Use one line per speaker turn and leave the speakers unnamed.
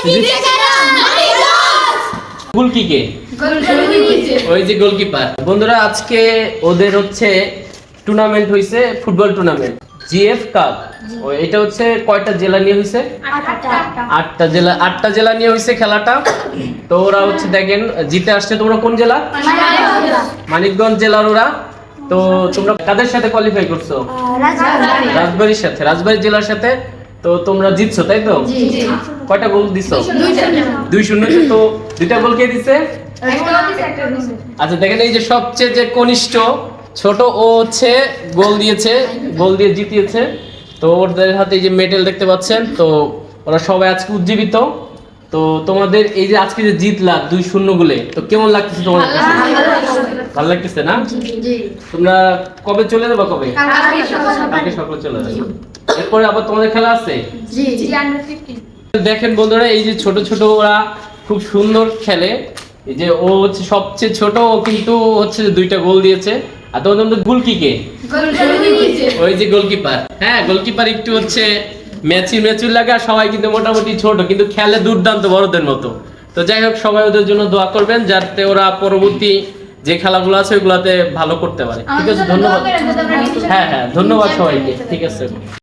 গোলকি কে? ওই যে গোলকিপার। বন্ধুরা আজকে ওদের হচ্ছে টুর্নামেন্ট হইছে, ফুটবল টুর্নামেন্ট জিএফ কাপ। এটা হচ্ছে কয়টা জেলা নিয়ে হইছে? 8টা জেলা নিয়ে হইছে খেলাটা। তো ওরা হচ্ছে দেখেন জিতে আসছে। তোমরা কোন জেলা? মানিকগঞ্জ জেলার ওরা। তো তোমরা কাদের সাথে কোয়ালিফাই করছো? রাজবাড়ির সাথে, রাজবাড়ি জেলার সাথে। তো তোমরা জিতছো তাই তো? কয়টা গোল দিছো? 2-0। তো দুইটা গোল কে দিছে? আচ্ছা দেখেন এই যে সবচেয়ে যে কনিষ্ঠ ছোট ও হচ্ছে গোল দিয়েছে, গোল দিয়ে জিতিয়েছে। তো ওদের হাতে এই যে মেডেল দেখতে পাচ্ছেন। তো ওরা সবাই আজকে উজ্জীবিত। তো তোমাদের এই যে আজকে যে জিতলা 2-0 গোলে, তো কেমন লাগতেছে তোমাদের কাছে? ভালো লাগতেছে না? তোমরা কবে চলে যাবে? কবে? কালকে সকালে চলে যাবে। এরপরে আবার তোমাদের খেলা আছে? দেখেন বন্ধুরা এই যে ছোট ছোট ওরা খুব সুন্দর খেলে। এই যে ও হচ্ছে সবচেয়ে ছোট, ও কিন্তু হচ্ছে 2টা গোল দিয়েছে। আর তোমাদের গোলকি কে? ওই যে গোলকিপার। হ্যাঁ, গোলকিপার একটু হচ্ছে ম্যাচুর লাগে। আর সবাই কিন্তু মোটামুটি ছোট, কিন্তু খেলে দুর্দান্ত বড়দের মতো। তো যাই হোক, সবাই ওদের জন্য দোয়া করবেন যাতে ওরা পরবর্তী যে খেলাগুলো আছে ওইগুলাতে ভালো করতে পারে। ঠিক আছে, ধন্যবাদ। হ্যাঁ, ধন্যবাদ সবাইকে। ঠিক আছে।